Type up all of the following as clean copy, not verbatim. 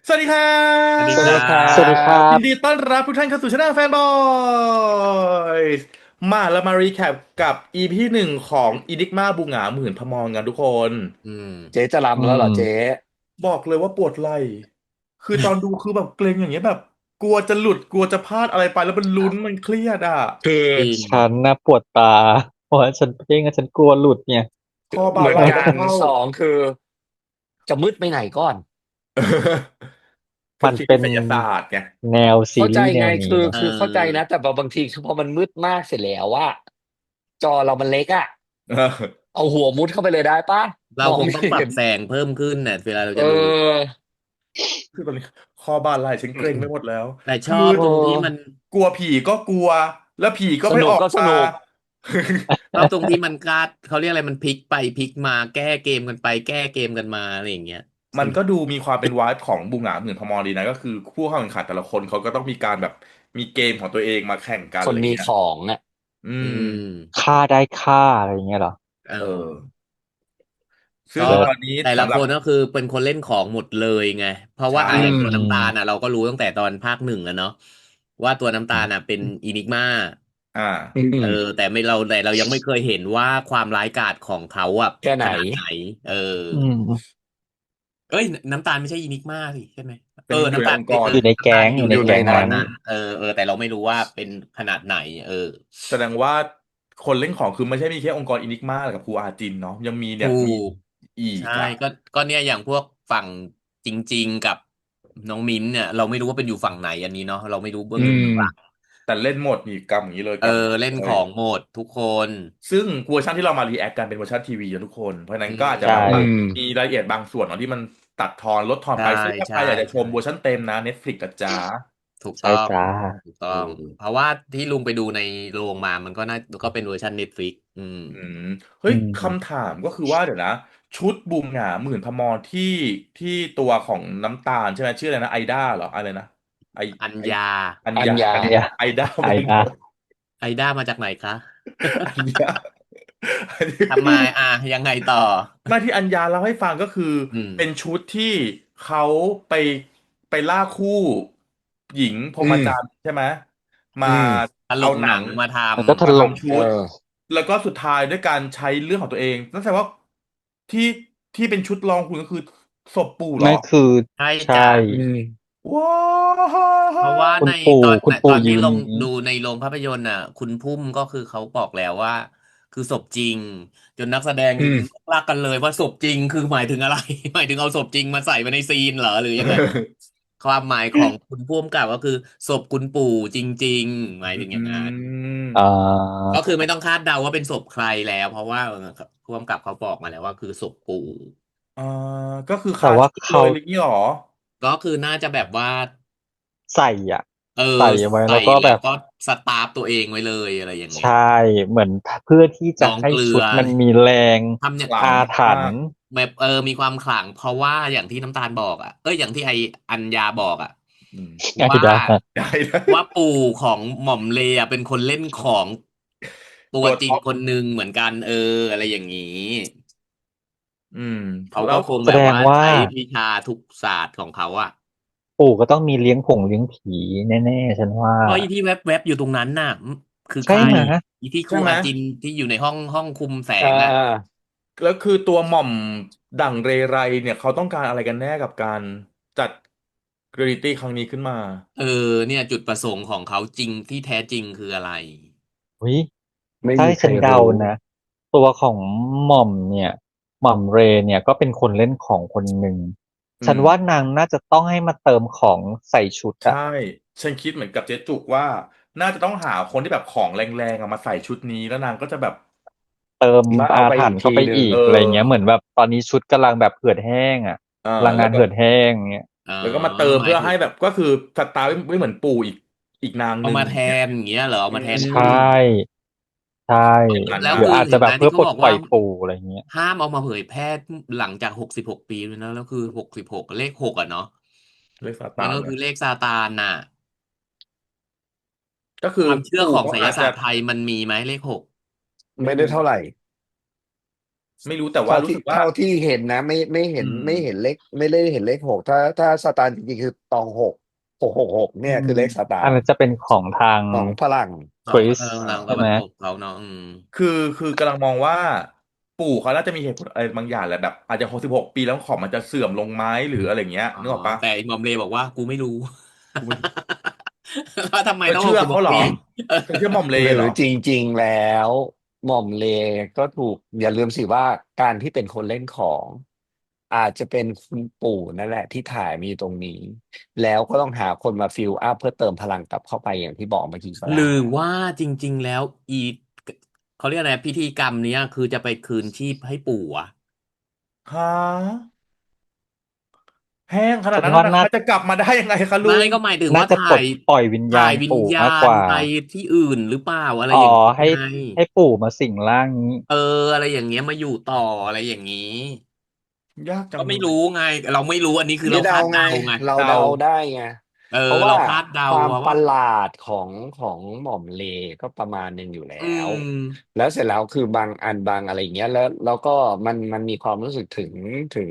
สวัสดีครัสวัสดีครับสวัสดีครับสวัสดีครัยินดีบต้อนรับทุกท่านเข้าสู่ช่องแฟนบอยเรามารีแคปกับ EP หนึ่งของอินิกมาบูหงาหมื่นพมรกันทุกคนอืมเจ๊จะอืรำแล้วเหรอมเจ๊บอกเลยว่าปวดไหล่คือตอนดูคือแบบเกรงอย่างเงี้ยแบบกลัวจะหลุดกลัวจะพลาดอะไรไปแล้วมันลุ้นมันเครียดอ่ะคือจริงฉันนะปวดตาเพราะว่าฉันเพ่งอะฉันกลัวหลุดเนี่ยคอบ่าไหล่เหมือนกันต้องเข้าสองคือจะมืดไปไหนก่อนเป็นมันเป็นสิ่งวิทยาศาสตร์ไงแนวซีเข้าใจรีส์แนไงคือวนี้เนาะเอคือเข้าใจนะอแต่บางทีคือพอมันมืดมากเสร็จแล้วว่าจอเรามันเล็กอะเออเอาหัวมุดเข้าไปเลยได้ปะเรามองคงต้องปรัไม่เห็นบแสงเพิ่มขึ้นเนี่ยเวลาเราเจะดูออคือตอนนี้คอบ่าไหล่ฉันเกร็งไปหมดแล้วคือแต่ชอบโอ้ตรงที่มันกลัวผีก็กลัวแล้วผีก็สนุกไม่ออกมาก็สนุกชอบตรงที่มันกล้าเขาเรียกอะไรมันพลิกไปพลิกมาแก้เกมกันไปแก้เกมกันมาอะไรอย่างเงี้ยสนุกมันก็ดูมีความเป็นวายของบูหงาหมื่นพมรดีนะก็คือผู้เข้าแข่งขันแต่ละคนเขาก็ต้องมีการแบบมีเกมของตัวเองมาแข่งกันคนมีอะไรเงี้ยของอ่ะอือืมมฆ่าได้ฆ่าอะไรอย่างเงี้ยเหรอเอเอออซึ่ก็งเลิศตอนนี้แต่ละสำหรับคนก็คือเป็นคนเล่นของหมดเลยไงเพราะว่าใช่อือย่างตัวมน้ำตาลน่ะเราก็รู้ตั้งแต่ตอนภาคหนึ่งแล้วเนาะว่าตัวน้ำตาลน่ะเป็นอินิกมาอ่าอืเออมแต่เรายังไม่เคยเห็นว่าความร้ายกาจของเขาอะแค่ไหนขนาดไหนเอออืมเอ้ยน้ำตาลไม่ใช่อินิกมาสิใช่ไหมเออเป็นอยู่น้ำตาลในองค์กรอยู่ในน้ำตาลแก๊งอยู่ในอยู่ในองค์กอยู่ในนั้นแก๊งนั้นรนั้นเออแต่เราไม่รู้ว่าเป็นขนาดไหนเออแสดงว่าคนเล่นของคือไม่ใช่มีแค่องค์กรอินิกมากับครูอาจินเนาะยังมีเนี่ถูยมีกอีกใช่อ่ะก็เนี่ยอย่างพวกฝั่งจริงๆกับน้องมิ้นท์เนี่ยเราไม่รู้ว่าเป็นอยู่ฝั่งไหนอันนี้เนาะเราไม่รู้เบื้ออืงลึกเบื้องหลังมแต่เล่นหมดนี่กรรมอย่างนี้เลยเออกรรมเล่นเลยของหมดทุกคนซึ่งเวอร์ชันที่เรามารีแอคกันเป็นเวอร์ชันทีวีนะทุกคน เพราะฉะนั้นอืก็อาจจะใช่แบบอืว่ามมีรายละเอียดบางส่วนเนาะที่มันตัดทอนลดทอนใช่ไปซึ่งถ้าใครใช่อยากจะชใช่มเวอร์ชันเต็มนะ Netflix นะจ๊ะถูกต้องใช่จ้าถูกต้อเองเพอราะว่าที่ลุงไปดูในโรงมามันก็เป็นเวอร์ชันเน็ตฟลิกอืมอืมเฮ้อืยคำมถามก็คือว่าเดี๋ยวนะชุดบูมหงาหมื่นพมรที่ตัวของน้ำตาลใช่ไหมชื่ออะไรนะไอด้าเหรออะไรนะไอไออัญญาอัญญาอัญญาอันเนี้ยไอด้าไอเป็นดาไอด้ามาจากไหนคะอัญญาอันนี้ทำไมอ่ะยังไงต่อมาที่อัญญาเล่าให้ฟังก็คืออืมเป็นชุดที่เขาไปไปล่าคู่หญิงพรอืมหมจรรย์ใช่ไหมมาอืมตลกหนังเอาหนังมาทมันก็ถมาล่มทำชุเอดอแล้วก็สุดท้ายด้วยการใช้เรื่องของตัวเองนั่นแสดงว่าที่ที่เป็นชุดรองคุณก็คือศพปู่เหรอไม่คือำใช่ใช่จ้ะอืมว้เพราะว่าาวในคุณปู่ตอนคุณปู่ตอนที่ลงยืนอย่างนี้ดูในโรงภาพยนตร์น่ะคุณพุ่มก็คือเขาบอกแล้วว่าคือศพจริงจนนักแสดงอืมลากกันเลยว่าศพจริงคือหมายถึงอะไรหมายถึงเอาศพจริงมาใส่ไว้ในซีนเหรอหรือยังไง ความหมายของคุณผู้กำกับก็คือศพคุณปู่จริงๆหมายอืถึงอย่างนั้นอ่มาก็คือไม่ต้องคาดเดาว่าเป็นศพใครแล้วเพราะว่าผู้กำกับเขาบอกมาแล้วว่าคือศพปู่อ่าก็คือแต่คาว่าเขาชุดเลยอะไรอย่างนี้เหรอก็คือน่าจะแบบว่าใส่อ่ะเออใส่ไว้ใส่แล้วก็แบบแล้วก็สตาร์ฟตัวเองไว้เลยอะไรอย่างเงี้ยใช่เหมือนเพื่อที่จะน้องให้เกลือชุดมันมีแรงทำเนี่ยขลังอาถรมารพ์กแบบมีความขลังเพราะว่าอย่างที่น้ำตาลบอกอ่ะเอ้ยอย่างที่ไออัญญาบอกอ่ะอืมไงว่าได้ได้ได้ว่าปู่ของหม่อมเลอะเป็นคนเล่นของตัวจริงตัวท็อปคนหนึ่งเหมือนกันอะไรอย่างนี้อืมเขาก็แล้วคงแสแบบว่าดงว่าใช้วิชาทุกศาสตร์ของเขาอะปู่ก็ต้องมีเลี้ยงผงเลี้ยงผีแน่ๆฉันว่าเพราะอีที่แวบอยู่ตรงนั้นน่ะคือใครใช่ไหมอีที่คใช่ไหมรูอาจินที่อยู่ในห้องคุมแสอ่งอะาแล้วคือตัวหม่อมดั่งเรไรเนี่ยเขาต้องการอะไรกันแน่กับการจัดเรียลิตี้ครั้งนี้ขึ้นมาเออเนี่ยจุดประสงค์ของเขาจริงที่แท้จริงคืออะไรเฮ้ยไม่ถ้ามีใครให้ฉันเดารู้นะตัวของหม่อมเนี่ยหม่อมเรเนี่ยก็เป็นคนเล่นของคนหนึ่งอืมฉันว่านางน่าจะต้องให้มาเติมของใส่ชุดอะใช่ฉันคิดเหมือนกับเจ๊จุกว่าน่าจะต้องหาคนที่แบบของแรงๆอะมาใส่ชุดนี้แล้วนางก็จะแบบเติมแล้วเอาอาไปอีกถรรพ์เข้าไปทีหนึ่งเออีกอะไรอเงี้ยเหมือนแบบตอนนี้ชุดกำลังแบบเหือดแห้งอะพลังแล้วก็งานเหือดแห้งเงี้ยเออแล้วก็มาเติมเพื่อให้หมายถึงแบบก็คือสตาร์ไม่เหมือนปู่อีกนางหนึ่งเอามาแทเนี่ยนอย่างเงี้ยเหรอเอาอืมาแทนใชปู่่ใช่อย่างนั้นนะแล้วหรืออาจจะคือเห็นไหมแบบเพื่อปลดที่เขาบอกว่าปล่อยปู่อะไรเงี้ยห้ามเอามาเผยแพร่หลังจาก66 ปีเลยนะแล้วคือ66เลขหกอะเนาะเลขซามันตานเนี่ยก็คือเลขซาตานน่ะก็คือความเชื่อปู่ของไสยเขาอาจจะศาสตร์ไทยมันมีไหมเลขหกไม่ได้เท่าไหร่ไม่รู้แต่ว่ารู้สึกว่าเท่าที่เห็นนะไม่เห็นอืมไม่เห็นเลขไม่ได้เห็นเลขหกถ้าสตาร์จริงๆคือตองหกอืเนี่ยคือมเลขสตาร์อันนั้นจะเป็นของทางของฝรั่งสวิสทางตะใช่ไหมวันตกเขาเนาะคือกำลังมองว่าปู่เขาน่าจะมีเหตุผลอะไรบางอย่างแหละแบบอาจจะ66 ปีแล้วของมันจะเสื่อมลงไหมหรืออะไรเงี้ยอ๋อนึกออกปะแต่ไอ้หมอมเลบอกว่ากูไม่รู้กูไม่ว่าทำไมเธอต้องเชื่อเขาเหรอ 66 ปีเออเธอเชื่อหม่อมเลหรือเหรอจริงๆแล้วหม่อมเลก็ถูกอย่าลืมสิว่าการที่เป็นคนเล่นของอาจจะเป็นคุณปู่นั่นแหละที่ถ่ายมีตรงนี้แล้วก็ต้องหาคนมาฟิลอัพเพื่อเติมพลังกลับเข้าไปอย่างที่บอกเมื่อกี้ก็หรืได้อว่าจริงๆแล้วเขาเรียกอะไรพิธีกรรมเนี้ยคือจะไปคืนชีพให้ปู่อะฮะแห้งขนาดฉันนั้นว่านะเขาจะกลับมาได้ยังไงคะลุไม่งก็หมายถึงน่าจะปลดว่าถ่ายปล่อยวิญญาณวิญปู่ญามากกว่าณไปที่อื่นหรือเปล่าอะไรอ๋ออย่างนี้ให้ไงให้ปู่มาสิงร่างนี้เอออะไรอย่างเงี้ยมาอยู่ต่ออะไรอย่างนี้ยากจัก็ไม่รู้งเลยไงเราไม่รู้อันนี้คือนี่เดาไงเราคาดเดาไงเราเดาเดาได้ไงเออเพราะว่าเราคาดเดาความว่าประหลาดของหม่อมเลก็ประมาณหนึ่งอยู่แล้อืวมแล้วเสร็จแล้วคือบางอันบางอะไรอย่างเงี้ยแล้วก็มันมีความรู้สึกถึง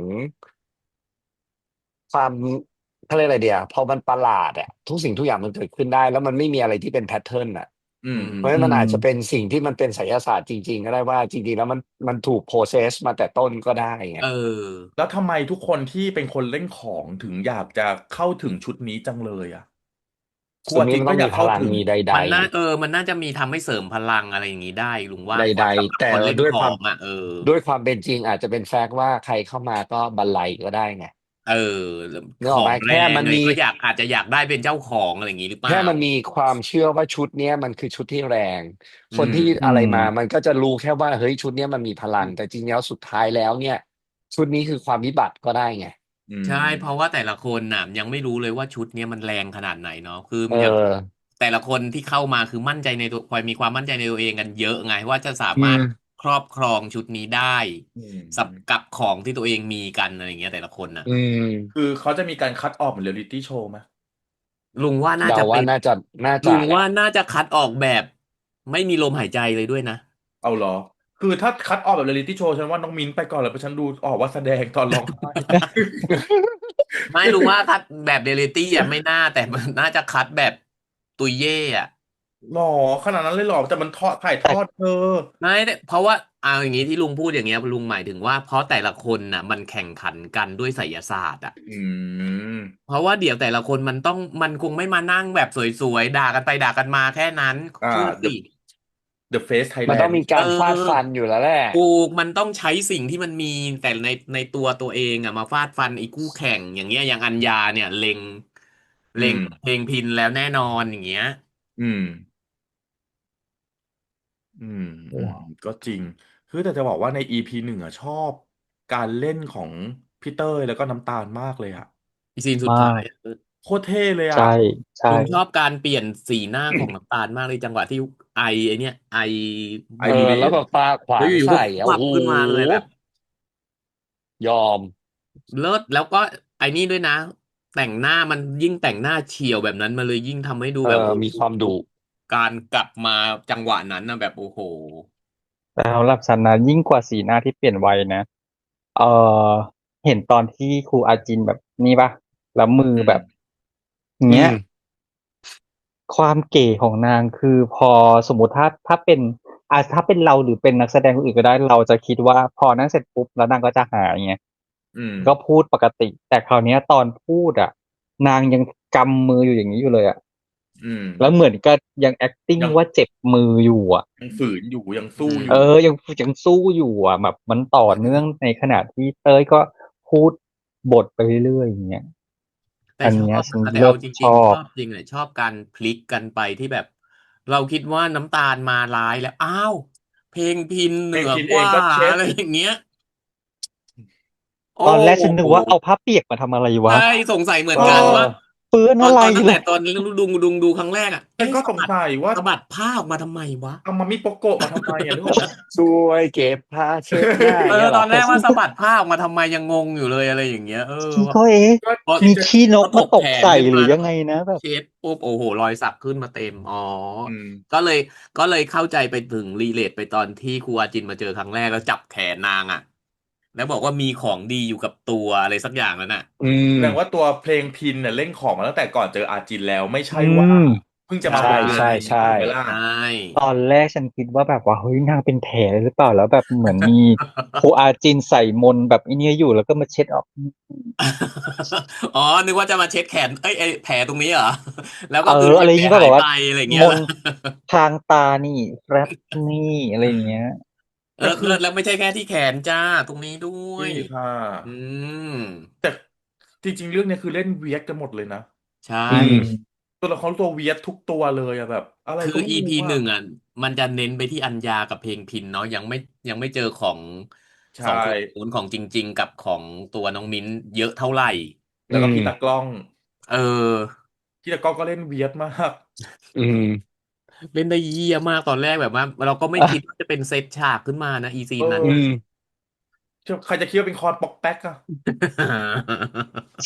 ความเขาเรียกอะไรเดียวพอมันประหลาดอะทุกสิ่งทุกอย่างมันเกิดขึ้นได้แล้วมันไม่มีอะไรที่เป็นแพทเทิร์นอะอืมอืมอืมเพราะฉะนั้อืมนมันอาจจะเป็นสิ่งที่มันเป็นไสยศาสตร์จริงๆก็ได้ว่าจริงๆแล้วมันถูกโปรเซสมาแต่ต้นก็ได้ไงเออแล้วทำไมทุกคนที่เป็นคนเล่นของถึงอยากจะเข้าถึงชุดนี้จังเลยอ่ะครูส่วนนี้อาจินก็อยามันต้องมีพกเข้าถึงลังมีใดมันน่าจะมีทำให้เสริมพลังอะไรอย่างนี้ได้ลุงว่าๆใดสำหรับๆแต่คนเล่นขอด้วยความงอ่ะเออด้วยความเป็นจริงอาจจะเป็นแฟกต์ว่าใครเข้ามาก็บันไลก็ได้ไงเออนึกออกไหมของแรแค่งเลยมันมีก็อาจจะอยากได้เป็นเจ้าของอะไรอย่างนี้หรือเปล่าแค่มันมีความเชื่อว่าชุดเนี้ยมันคือชุดที่แรงอืมคนที่อือะไรมมามันก็จะรู้แค่ว่าเฮ้ยชุดเนี้ยมันมีพลังแต่จริงๆแล้วสุดท้ายแล้วเนี่ยชุดนี้คือความวิบัติก็ได้ไงอืใช่เพราะว่ามแต่ละคนน่ะยังไม่รู้เลยว่าชุดเนี้ยมันแรงขนาดไหนเนาะคือเออย่างอแต่ละคนที่เข้ามาคือมั่นใจในตัวมีความมั่นใจในตัวเองกันเยอะไงว่าจะสาอืมารถมครอบครองชุดนี้ได้อืสับมกับของที่ตัวเองมีกันอะไรอย่างเงี้ยแต่ละคนน่ะอืมคือเขาจะมีการคัดออกเหมือนเรียลลิตี้โชว์ไหมลุงว่าน่าเดาจะเป็นว่าน่าลุจะแหละงว่าน่าจะคัดออกแบบไม่มีลมหายใจเลยด้วยนะเอาเหรอคือถ้าคัดออกแบบเรียลลิตี้โชว์ฉันว่าน้องมิ้นไปก่อนเลยเพราะฉันดูออกว่าแสดงตอนร้องไห้ไม่รู้ว่าคัดแบบเรียลลิตี้อ่ะไม่น่าแต่มันน่าจะคัดแบบตุยเย่อ่ะหรอขนาดนั้นเลยหรอแต่มันทอดถ่ายทอดเธอไม่ได้เพราะว่าเอาอย่างนี้ที่ลุงพูดอย่างเงี้ยลุงหมายถึงว่าเพราะแต่ละคนน่ะมันแข่งขันกันด้วยไสยศาสตร์อ่ะอืมเพราะว่าเดี๋ยวแต่ละคนมันคงไม่มานั่งแบบสวยๆด่ากันไปด่ากันมาแค่นั้นอ่าเชื่อ The สิ The Face มันต้อง Thailand มีเการฟาดฟัออนอยู่แล้วแหละถูกมันต้องใช้สิ่งที่มันมีแต่ในตัวเองอ่ะมาฟาดฟันไอ้คู่แข่งอย่างเงี้ยอย่างอัญญาเนี่ยอืมเพลงพินแล้วแน่นอนอย่างเงี้ยอืมอืมอืมก็จริงคือแต่จะบอกว่าใน EP 1อ่ะชอบการเล่นของพี่เต้ยแล้วก็น้ำตาลมากเลยอ่ะอีซีนสุดมากท้ายโคตรเท่เลยอ่ะใช่ใช่ลุงชอบการเปลี่ยนสีหน้าของน้ำตาลมากเลยจังหวะที่ไอเนี่ยไอไอหมดบูเดแล้วนแบบปาขวาแล้วอยู่ๆก็งใส่อ่ะโอ้โหวับขึ้นมาเลยแบบยอมเลิศแล้วก็ไอ้นี่ด้วยนะแต่งหน้ามันยิ่งแต่งหน้าเฉียวแบบนั้นมาเลยยิ่งทำให้ดูแบบโอ้มีโหความดุการกลับมาจังหวะนั้นนะแบบโอ้โหแต่สำหรับฉันนะยิ่งกว่าสีหน้าที่เปลี่ยนไวนะเออเห็นตอนที่ครูอาจินแบบนี้ปะแล้วมืออืมแบบอืเงี้ยมความเก๋ของนางคือพอสมมติถ้าเป็นถ้าเป็นเราหรือเป็นนักแสดงคนอื่นก็ได้เราจะคิดว่าพอนั่งเสร็จปุ๊บแล้วนางก็จะหายไงอืมก็พูดปกติแต่คราวเนี้ยตอนพูดอ่ะนางยังกำมืออยู่อย่างนี้อยู่เลยอ่ะอืมแล้วเหมือนก็ยัง acting ยังว่าเจ็บมืออยู่อ่ะยังฝืนอยู่ยังสู้อืมอยู่ยังสู้อยู่อ่ะแบบมันต่อเนื่องในขณะที่เต้ยก็พูดบทไปเรื่อยๆอย่างเงี้ยแต่อันเนี้ยชอบฉันเลิศนะแต่เอาจชอบริงๆชอบจริงเลยชอบการพลิกกันไปที่แบบเราคิดว่าน้ำตาลมาร้ายแล้วอ้าวเพลงพินเหนือเพลงพินกว่าเองก็เช็ดอะไรอย่างเงี้ย โอ้ตอนแรกฉันนึโหกว่าเอาผ้าเปียกมาทำอะไรวะใช่สงสัยเหมืเออนกันว่าอเปื้อนตอนอะไรตอนตั้งเลแต่ยตอนดูครั้งแรกอ่ะฉันก็สะสงบัดสัยว่าสะบัดผ้าออกมาทำไมวะเอามามิโปโกะมาทำไมอ่ะนึกออกปะช่วยเก็บผ้าเช็ดหน้าอย่างเงี้ยเหตรออนแรกว่าสะบัดผ้าออกมาทำไมยังงงอยู่เลยอะไรอย่างเงี้ยพี่ก็เอ๊ะก็พอคิดมีจะขี้นพกอถมาก ตแขกนใส่ขึ้นหรืมาอแล้ยัวงก็ไงนะแบบเช็ดปุ๊บ โอ้โฮ รอยสักขึ้นมาเต็ม อ๋ออืมก็เลยเข้าใจไปถึง relate ไปตอนที่ครูอาจินมาเจอครั้งแรก แล้วจับแขนนางอะ แล้วบอกว่ามีของดีอยู่กับตัวอะไรสักอย่างนั่นน่ะอืมแสดงว่าตัวเพลงพินเนี่ยเล่นของมาตั้งแต่ก่อนเจออาจินแล้ว ไม่ใช่อืว่าม เพิ่งจะมาใช่บุกเบิกใช่ในใช่ถูกไหมล่ะใช่ตอนแรกฉันคิดว่าแบบว่า เฮ้ย นางเป็นแผลหรือเปล่า แล้วแบบเหมือนมีครูอาจินใส่มนต์แบบไอ้เนี่ยอยู่ แล้วก็มาเช็ดออกอ๋อ นึกว่าจะมาเช็ดแขน เอ๊ย ไอ้แผลตรงนี้เหรอ? แล้วก็เอคืออ อะไรแผลงี้เปล่าหาแบยบว่าไป อะไรอย่างเงี้มย เหรอ? นต์พรางตานี่ แฟรบนี่ อะไรอย่างเงี้ยแต่คือแล้วไม่ใช่แค่ที่แขนจ้ะ ตรงนี้ด้วนี่ยค่ะอืมแต่จริง ๆ เรื่องเนี้ยคือเล่นเวียดกันหมดเลยนะใช่อืมตัวละครทุกตัวเวียดทุกตัวเลยอะแบบ อะไรคือก็ไม่ EP รู้อะ 1 อะ มันจะเน้นไปที่อัญญากับเพลงพิณเนาะ ยังไม่เจอของใช่ 2 คนนู้น ของจริง ๆ กับของตัวน้องมิ้นท์เยอะเท่าไรแล้วก็อืมพี่ตากล้องเออพี่ตากล้องก็เล่นเวียดมากอืมเล่นได้เหี้ยมาก ตอนแรกแบบว่า เราก็ไม่คิดว่าจะเป็นเซตฉากขึ้นมานะ อีซีเอนนั้นออืน่ะมใครจะคิดว่าเป็นคอนป๊อกแป๊กอะใช่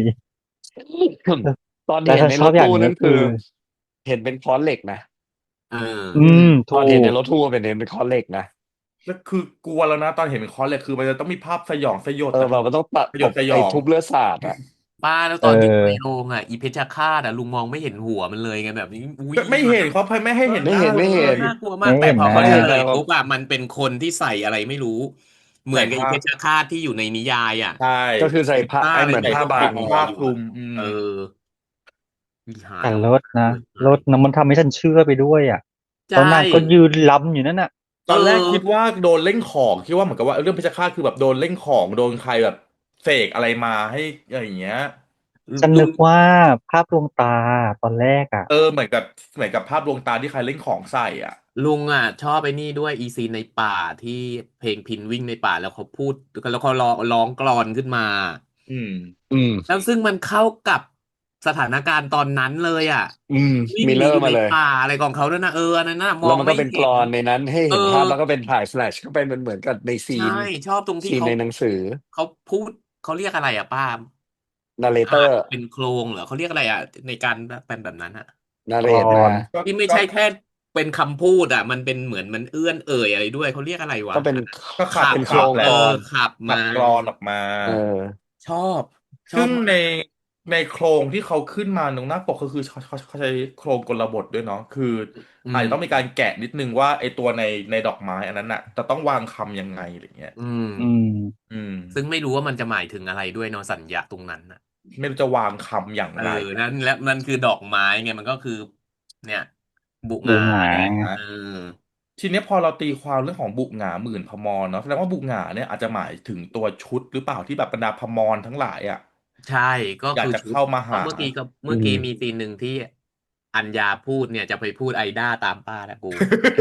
ตอนแต่เห็นฉันในชรอบถอย่าตู้งหนึ่งนัก่็นคืคือ อ เห็นเป็นค้อนเหล็กนะเอออืมตอนถูเห็นในกรถตู้อะเห็นเป็นค้อนเหล็กนะแล้วคือกลัวแล้วนะ ตอนเห็นเป็นคอนเหล็ก คือมันจะต้องมีภาพสยองสยดเอออะแบบมันต้องตสยตดสยไอ้องทุบเลือดสาดอะป้า แล้วเอตอนที่อยู่ในอโรงอะ อีเพชฌฆาตอะ ลุงมองไม่เห็นหัวมันเลยไง แบบนี้ อุ๊ยก็ไม่เห็น เขาไม่ให้เห็นไม่หน้าเห็นเลไม่เห็นยน่ากลัวไม่มาก แต่เห็นพอหน้าเขาเฉลแต่ยแบบปุ๊บอะ มันเป็นคนที่ใส่อะไรไม่รู้ เหมือนกับใส่อีผ้าเพชฌฆาตที่อยู่ในนิยายอะใช่ก็คือใส่ผ้าผ้าไอ้อะไรเหมือนใส่ผ้าบาปิงดหัวผ้าอยู่คลุอะม อืเอมอ อีห่าแต่ทำเลิศนะ เลิศนะ มันทำให้ฉันเชื่อไปด้วยอะใชแล้วนางก็่ยืนรำอยู่นั่นน่ะตอนแรกเออคิดว่าโดนเล่นของ คิดว่าเหมือนกับว่า เรื่องเพชฌฆาตคือแบบโดนเล่นของ โดนใครแบบเสกอะไรมาให้ อะไรอย่างเงี้ยฉันลุนึงกว่าภาพลวงตาตอนแรกอะเหมือนกับภาพลวงตาที่ใครเล่นของใส่อะลุงอะชอบไอ้นี่ด้วย อีซีนในป่าที่เพลงพิณวิ่งในป่า แล้วเขาพูด แล้วเขาร้องกลอนขึ้นมาอืมอืมแล้วซึ่งมันเข้ากับสถานการณ์ตอนนั้นเลยอะอืมวิ่งมิลหเลนีอรอยู์่มาในเลยป่าอะไรของเขานั่นน่ะ อันนั้นน่ะมแล้อวงมันไมก็่เป็นเห็กลนอนในนั้นให้เห็นภาพ แล้วก็เป็นถ่าย flash เข้าไป มันเหมือนกับในซีใช่นชอบตรงที่ซีนเขาในหนังสือเขาพูด เขาเรียกอะไรอะป้า? อ่าน narrator เป็นโครงเหรอ? เขาเรียกอะไรอะ? ในการเป็นแบบนั้นน่ะกล narrate อมานที่ไม่ใช่แค่เป็นคำพูดอะ มันเป็นเหมือนมันเอื้อนเอ่ยอะไรด้วย เขาเรียกอะไรวะ? ก็เป็นก็ขัขับเป็นโครขับงแหละกลอนขับขัมาบกลอนออกมาเออชอบ ชซอึ่บงมากในโครงที่เขาขึ้นมาตรงหน้าปก ก็คือเขาใช้โครงกลบทด้วยเนาะ คืออือาจจะต้องมีการมแกะนิดหนึ่งว่า ไอ้ตัวในดอกไม้อันนั้นน่ะ จะต้องวางคำยังไง อะไรอย่างเงี้ยอืมอืมอืมซึ่งไม่รู้ว่ามันจะหมายถึงอะไรด้วยเนาะ สัญญะตรงนั้นน่ะไม่รู้จะวางคำอย่างไรนั่นคือดอกไม้ไง มันก็คือ เนี่ย บุหบุงาหงาไงนะเออทีเนี้ยพอเราตีความเรื่องของบุหงาหมื่นพมรเนาะ แสดงว่าบุหงาเนี่ยอาจจะหมายถึงตัวชุดหรือเปล่า ที่แบบบรรดาพมรทั้งหลายอะใช่ ก็อยาคกืจะชุเข้ามาเพหาราะเมื่ออืกี้มมีซีนหนึ่งที่อัญญาพูดเนี่ย จะไปพูดไอด้าตามป้าแล้วกู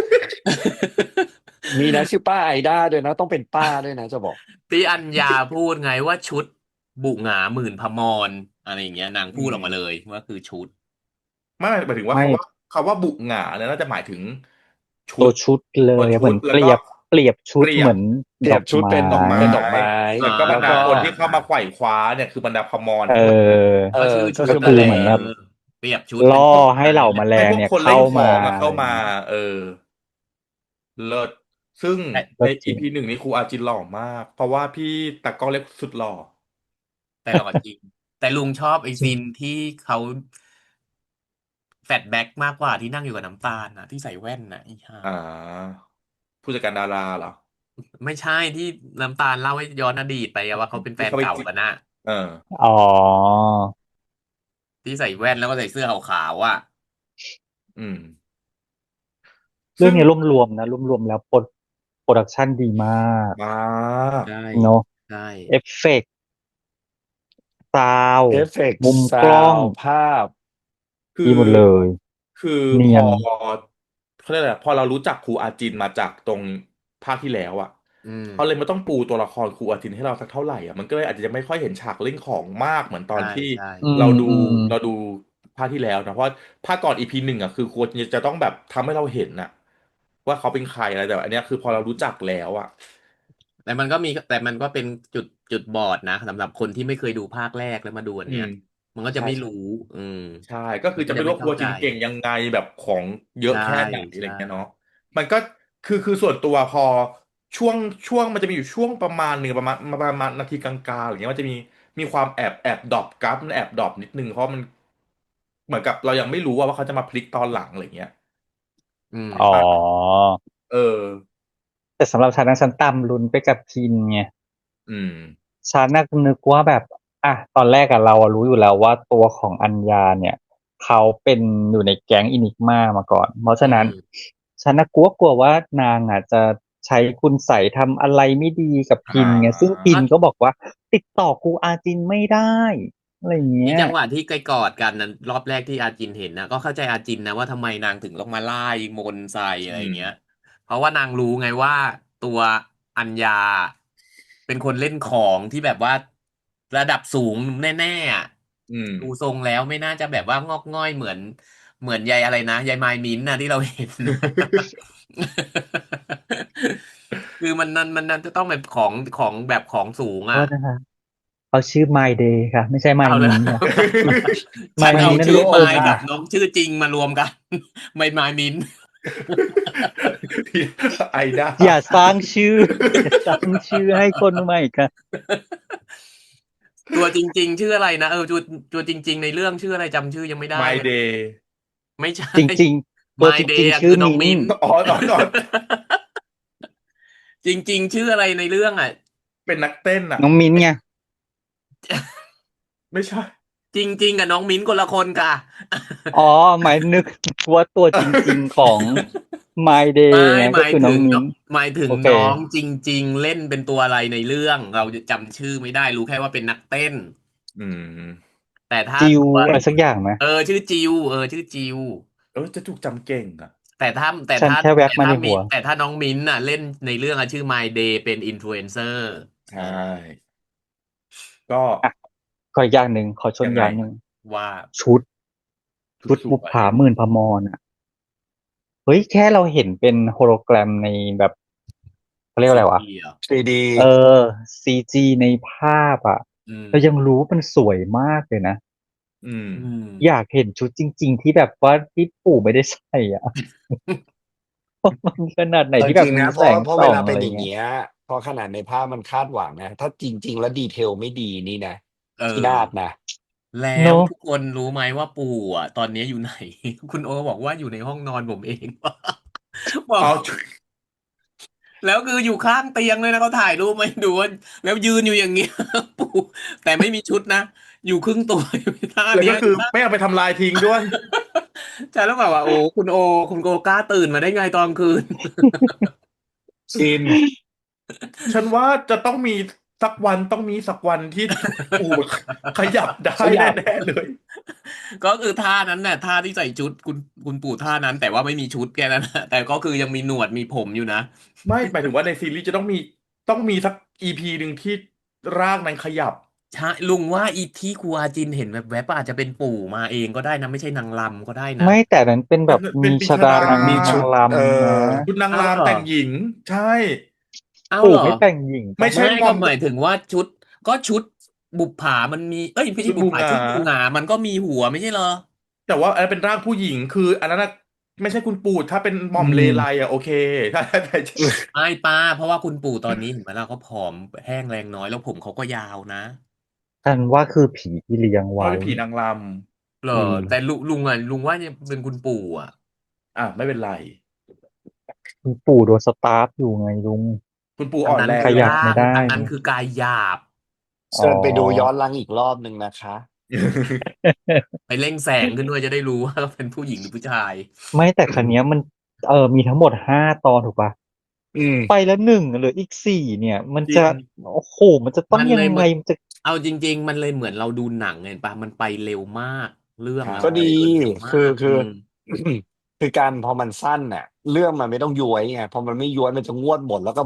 มีนะ ชื่อป้าไอด้าด้วยนะ ต้องเป็นป้าด้วยนะจะบอกที่อัญญาพูดไงว่า ชุดบุหงาหมื่นพมร อะไรอย่างเงี้ย นางอืพูดออกมาเลมยว่าคือชุดไม่ หมายถึงว่าไม่คำว่าบุหงาเนี่ยน่าจะหมายถึงชตัวุดชุดเลตัวย ชเหมุ ือดนแล้เปวรีก็ยบ เปรียบชุเปดรีเหยมืบอนเปรียบชุดดอกไม้เป็นดอกไม้เป็นดอกไม้อ๋อแล้วก็บรรดาคนที่เข้ามาอาไขว่คว้าเนี่ย คือบรรดาพมรเอทั้งหลายอเอก็อชื่อก็ชุคืดอนั่นแหละเหมือนแบบเปรียบชุดล่อเป็นชุดให้อะไรเหล่าเแมงี้ยลให้งพวเกนี่ยคนเขเล่้านขมาองอะอะเข้าไรมางี้เลิศ ซึ่งก็ในจริง EP 1 นี่ครูอาจินหล่อมาก เพราะว่าพี่ตากล้องเล็กสุดหล่อแต่หล่อจริง แต่ลุงชอบไอ้ซีนที่เขา แฟลชแบ็กมากกว่าที่นั่งอยู่กับน้ำตาลน่ะ ที่ใส่แว่นน่ะ อีห่าอา ผู้จัดการดาราเหรอ? ไม่ใช่ ที่น้ำตาลเล่าให้ย้อนอดีตไปอะว่า เขาเป็นแฟที่นเขาไปเก่าจิกันน่ะเอออ๋อที่ใส่แว่น แล้วก็ใส่เสื้อขาว ๆ อะอืมเรซื่ึอ่งงนี้รวม ๆ นะ รวม ๆ แล้วโพรดักชันดีมากมากใช่เนาะใช่เอฟเฟกต์ ซาวเอด์ฟเฟกต์มุมซากล้องวด์ ภาพคืดีอหมดเลยคือเนีพยนเขาเรียกอะไรอะ พอเรารู้จักครูอาจินมาจากตรงภาคที่แล้วอะอืมเขาเลยไม่ต้องปูตัวละครครูอาจินให้เราสักเท่าไหร่อ่ะมันก็เลยอาจจะยังไม่ค่อยเห็นฉากเล่นของมากเหมือนตอนใช่ที่ใช่อืเราดูมเราดูภาคที่แล้วนะเพราะภาคก่อนEP 1อ่ะคือครูอาจินจะต้องแบบทำให้เราเห็นน่ะว่าเขาเป็นใครอะไรแต่อันเนี้ยคือพอเรารู้จักแล้วอ่ะแต่มันก็เป็นจุดบอดนะสำหรับคนที่ไม่เคยดูภาคแรกแล้วมาดูอันเนี้ยอืมมันก็จะใช่ใช่ไม่รู้อืมใช่ก็คือจะมันก็ไม่รู้ว่าครูอาจะไม่เข้าใจจินเก่งยังไงแบบของเยอะใช่แค่ไหนอะไรใช่เงี้ยเนาะมันก็คือส่วนตัวพอช่วงมันจะมีอยู่ช่วงประมาณหนึ่งประมาณนาทีกลางๆอะไรเงี้ยมันจะมีความแอบดรอปกราฟมันแอบดรอปนิดนึงเพราะมัน เหมือนกับเรายังไม่รู้ว่าเขาจะมาพลิกตอนหลังอะไรเงี้ยอืมอ๋ออ่ะเออแต่สำหรับฉันนะฉันตามลุ้นไปกับพินไงอืมฉันน่ะนึกว่าแบบตอนแรกเรารู้อยู่แล้วว่าตัวของอัญญาเนี่ยเขาเป็นอยู่ในแก๊งอินิกมามาก่อนเพราะอืฉะนั้นมฉันน่ะกลัวว่านางจะใช้คุณใส่ทำอะไรไม่ดีกับอ่พินไงซึ่งาพินก็ก็บอกว่าติดต่อครูอาจินไม่ได้อะไรอย่างเงี้ยมีจังหวะที่ไกลกอดกันนั้นรอบแรกที่อาจินเห็นนะก็เข้าใจอาจินนะว่าทำไมนางถึงต้องมาไล่มนต์ใส่อะไรอืมอย่างเงี้ยเพราะว่านางรู้ไงว่าตัวอัญญาเป็นคนเล่นของที่แบบว่าระดับสูงแน่ๆอะอืมดูทรงแล้วไม่น่าจะแบบว่างอกง่อยเหมือนยายอะไรนะยายมายมิ้นท์นะที่เราเห็น คือมันจะต้องเป็นของแบบของสูงอ่ะโทษนะคะเขาชื่อ My Day ค่ะไม่ใช่ My เอาเลย Min ค่ะฉั My นเอา Min นั่นชื่อลูกอมไมค์กับค่ะน้องชื่อจริงมารวมกันไม่ไมายมินไอด้าอย่าสร้างชื่ออย่าสร้างชื่อให้คนใหม่ค่ะตัวจริงๆชื่ออะไรนะตัวจริงๆในเรื่องชื่ออะไรจำชื่อยังไม่ได้ My เลย Day ไม่ใช่จริงๆตัว My จ Day ริงๆชื่ออะคือน้องมิ้นท์มิ้นอ๋อจริงๆชื่ออะไรในเรื่องอ่ะเป็นนักเต้นอ่ะน้องมิ้นท์ไงไม่ใช่จริงๆกับน้องมิ้นคนละคนค่ะอ๋อหมายนึกว่าตัวจริงๆของ My ไม่ Day ไงหมายก็คือน้ถึงเนาะองมิ้นท์หมายถึงโอเคน้องจริงๆเล่นเป็นตัวอะไรในเรื่องเราจะจำชื่อไม่ได้รู้แค่ว่าเป็นนักเต้นอืมแต่ถ้าจิวตัวอะไรสักอย่างไหมชื่อจิวชื่อจิวจะถูกจำเก่งอ่ะแต่ถ้าแต่ฉันถ้าแค่แวบแต่ถ้ามิมาในหัวแต่ถ้าน้องมิ้นท์น่ะเล่นในเรื่องอะชื่อ My Day เป็นอินฟลูเอนเซอร์ใช่ก็อ่ะขออีกอย่างหนึ่งขอชนยังไงอย่างหนึ่งว่าชุดชุดชุดบุปสวยผาหมื่นพมรเฮ้ยแค่เราเห็นเป็นโฮโลแกรมในแบบเขาเรียกว่าซีอะไรวะดีอ่ะ 3D เออซีจีในภาพอืมเรายังรู้ว่ามันสวยมากเลยนะอืมอืมอยากเห็นชุดจริงๆที่แบบว่าที่ปู่ไม่ได้ใส่มันขนาดไหนเอาที่แบบจริงนะเพมีแสงราะเพราะส่องเวลาเป็นอะไรเงี้ยอย่างเงี้ยพอขนาดในภาพมันคาดหวังนะถ้าจริงๆแล้วดีเทลไม่ดีนี่นะเอพินาศอนะแล้วเนาะทุกคนรู้ไหมว่าปู่อ่ะตอนนี้อยู่ไหนคุณโอบอกว่าอยู่ในห้องนอนผมเองบอกเอาแล้วคืออยู่ข้างเตียงเลยนะเขาถ่ายรูปมาให้ดูว่าแล้วยืนอยู่อย่างเงี้ยปู่แต่ไม่มีชุดนะอยู่ครึ่งตัวอยู่ท่าแล้วเนี้ยก็คือไม่เอาไปทำลายทิ้งด้วยใช่แล้วแบบว่าโอ้คุณโอกล้าตื่นมาได้ไงตอนกลางคืนชินฉันว่าจะต้องมีสักวันต้องมีสักวันที่ปู่ขยับได้ขยับแน่ๆเลยก็คือท่านั้นน่ะท่าที่ใส่ชุดคุณปู่ท่านั้นแต่ว่าไม่มีชุดแค่นั้นนะแต่ก็คือยังมีหนวดมีผมอยู่นะไม่หมายถึงว่าในซีรีส์จะต้องมีสักEPหนึ่งที่ร่างนั้นขยับใช่ลุงว่าอีที่ครูอาจินเห็นแบบแวบๆอาจจะเป็นปู่มาเองก็ได้นะไม่ใช่นางรำก็ได้นะไม่แต่นั้นเป็นแบบเป็นปีมีชดาชาดามันมีนางชุดรำนะชุดนางรำเอ้าเหรอแต่งหญิงใช่ปู่เอ้าเหรอไม่แต่งหญิงไม่ปะใช่มอมไม่ก็หมายถึงว่าชุดบุปผามันมีเอ้ยไม่ใช่บุปผาชุดบูงาชุดบูหงามันก็มีหัวไม่ใช่เหรอแต่ว่าอันนั้นเป็นร่างผู้หญิงคืออันนั้นน่ะไม่ใช่คุณปู่ถ้าเป็นหม่อือมเลไลมอ่ะโอเคถ้าไม่ป้าเพราะว่าคุณปู่ตอนนี้เห็นไหมล่ะเขาผอมแห้งแรงน้อยแล้วผมเขาก็ยาวนะฉันว่าคือผีที่เลี้ยงไว้ว่าเป็นผีนางรเหรออืมแต่ลุงว่าเนี่ยเป็นคุณปู่อ่ะำไม่เป็นไรคุณปู่โดนสตาร์ฟอยู่ไงลุงคุณปู่อันนั้นอ่อนแรงขยับอยู่แล้วไม่ได้อันนั้นคือกายหยาบอ๋อเชิญไปดูย้อนหลังอีกรอบหนึ่งนะคะไปเร่งแสงขึ้นด้วยจะได้รู้ว่าเป็นผู้หญิงหรือผู้ชายไม่แต่ครั้งเนี้ยมันมีทั้งหมด5 ตอนถูกปะอืมไปแล้ว1เหลืออีก4เนี่ยมันจะจริงโอ้โหมันจะต้องยังไงมันเลยเหมือนมันจะเอาจริงๆมันเลยเหมือนเราดูหนังไงปะมันไปเร็วมากเรื่องใช่อะก็ดีมันเดินเร็วมาคือกคือ คือการพอมันสั้นน่ะเรื่องมันไม่ต้องย้วยไงพอมันไม่ย้วยมันจะงวดหมดแล้วก็แบบ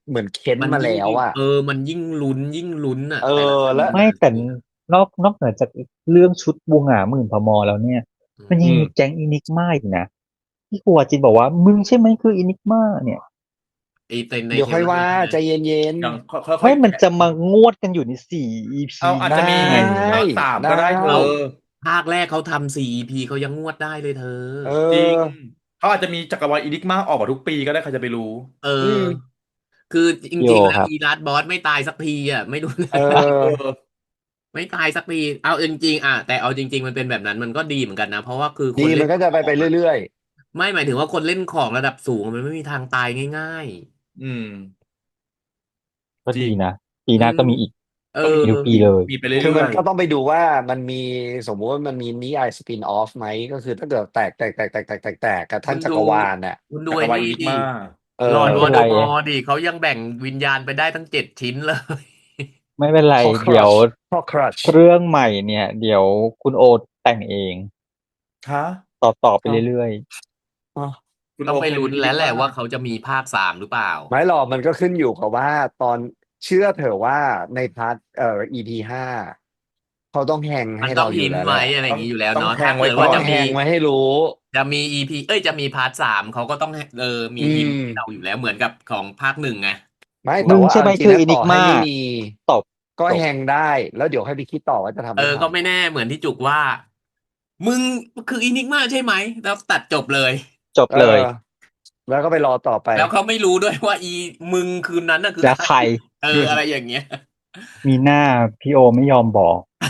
เหมือนเค้นมันมายิ่งแล้วอ่ะมันยิ่งลุ้นอ่ะเอแต่ละอซีแล้วนไม่น่ะแต่นอกเหนือจากเรื่องชุดบูหงาหมื่นพมแล้วเนี่ยอืมันมยังมีแก๊งอินิกมาอีกนะที่ครูอาจินบอกว่ามึงใช่ไหมคืออินิกมาเนี่ยไอ้ในเดี๋ยวเทรค่อลยเลอว่าร์ใช่ไหมใจเย็นอย่างค่อยๆไม่มันแกะจะมางวดกันอยู่ใน4 EP เอาอาจๆ ไดจะมีไงภาค 3 ได้ก็ได้เธอเอ้าภาคแรกเขาทำ4 EP เขายังงวดได้เลยเธอเอจริงอเขาอาจจะมีจักรวาลอีนิกมาออกมาทุกปีก็ได้ใครจะไปรู้เออืมอ คือจพี่โอริง ๆ แล้วครับอีลาสบอสไม่ตายสักทีอ่ะ ไม่รู้เอเอออไม่ตายสักที เอาจริงๆแต่เอาจริง ๆ มันเป็นแบบนั้นมันก็ดีเหมือนกันนะ เพราะว่าคือคดีนเล่มันนก็ขจะอไปงอะเรื่อยไม่หมายถึงว่าคนเล่นของระดับสูงมันไม่มีทางตายง่ายอืมก็จริดีงนะ ปีๆหน้าก็มีอีกเอก็มีอมีทุกปีมีเลยมีไปๆ คือเรื่มัอน ยก็ต้องไปดูว่ามันมีสมมุติว่ามันมีนิยายสปินออฟไหม ก็คือถ้าเกิดแตกกับคุท่านณจัดูกรวาลน่ะคุณๆดูจักรไอ้วาลนี่อีนิกดิมาเอลอร์ดอไม่วอเป็นลเดไรอมอร์ดิเขายังแบ่งวิญญาณไปได้ตั้ง7 ชิ้นเลยไม่เป็นไร Horcrux เดี๋ยว Horcrux เรื่องใหม่เนี่ย เดี๋ยวคุณโอแต่งเองฮะต่อไปอ้าวเรื่อยอ้าวคุณต้โอองไปเคยลุ้มีนอีแล้นิวกแหละมาว่าเขาจะมีภาค 3 หรือเปล่าไม่หรอกมันก็ขึ้นอยู่กับว่าตอนเชื่อเถอะว่าในพาร์ทEP 5เขาต้องแฮงมัให้นต้เราองอหิยู่นแล้วท์แหไว้ละอะไรอต้ย่าองงงี้อยู่แล้วต้องเนาะแทถ้างไว้เกิดก่ว่าอต้จะองแฮมีงไว้ให้รู้จะมี EP จะมีพาร์ท 3เขาก็ต้องอืมีหินท์มให้เราอยู่แล้วเหมือนกับของภาค 1 ไงไม่ๆแต่มึงว่าใช่เอาไหมจริคืงอๆนะอิต่นิอกมาให้ไม่มีตบก็จบแฮงได้ แล้วเดี๋ยวให้ไปคิดต่อว่าจะทำไม่ทก็ไม่แน่เหมือนที่จุกว่า มึงคืออินิกมาใช่ไหม แล้วตัดจบเลยจบำเลยแล้วก็ไปรอต่อไปแล้วเขาไม่รู้ด้วยว่ามึงคืนนั้นน่ะคือแล้วใครใครอะไรอย่างเงี้ยมีหน้าพี่โอไม่ยอมบอก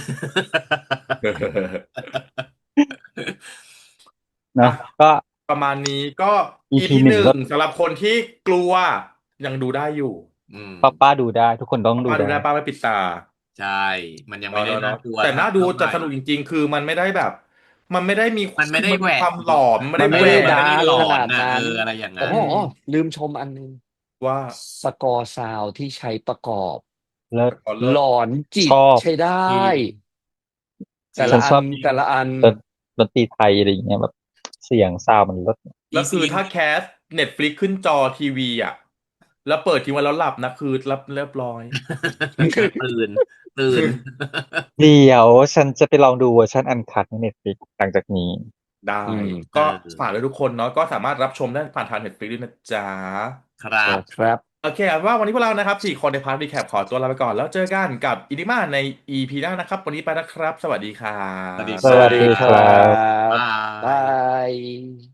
อ่ะเนาะก็ประมาณนี้ก็ EP EP หหนึ่งนึ่ก็งสำหรับคนที่กลัวยังดูได้อยู่อืมป้าดูได้ ทุกคนต้องดูป้าดูได้ได้ป้าไม่ปิดตาใช่ มันยังไม่ได้เนาะน่ากลัวแต่น่าดูเท่าไหจะร่สนุกจริงๆ คือมันไม่ได้แบบ มันไม่ได้มีมันไม่คือได้มันแหวมีกความหลอน มันมัไม่นได้ไม่แหวได้กมันไม่ได้ดาร์กหลอขนนาดน่ะนั้นอะไรอย่างอ๋นั้อนลืมชมอันหนึงว่าสกอร์ซาวด์ที่ใช้ประกอบเลิศขอเลิหลศอนจิชตอบใช้ได้จริงแต่ฉัละนอัชนอบแต่ละอันดนตรีไทยอะไรอย่างเงี้ยแบบ เสียงซาวด์มันเลิศแล้วคือซีนถ้าแคส Netflix ขึ้นจอทีวีอ่ะ แล้วเปิดทิ้งไว้แล้วหลับนะ คือเรียบร้อยตื่นเดี๋ยวฉันจะไปลองดูเวอร์ชันอันคัทใน Netflix หลังจากนี้ได้อืมก็เออฝากเลยทุกคนเนาะ ก็สามารถรับชมได้ผ่านทาง Netflix ด้วยนะจ๊ะครับครับโอเคเอาเป็นว่าวันนี้พวกเรานะครับ4 คนในพาร์ทรีแคปขอตัวลาไปก่อน แล้วเจอกันกับอินิมาใน EP หน้านะครับ วันนี้ไปนะครับ สวัสดีครัสวัสดีบคสรัวัสดีคครัรับบบาบายย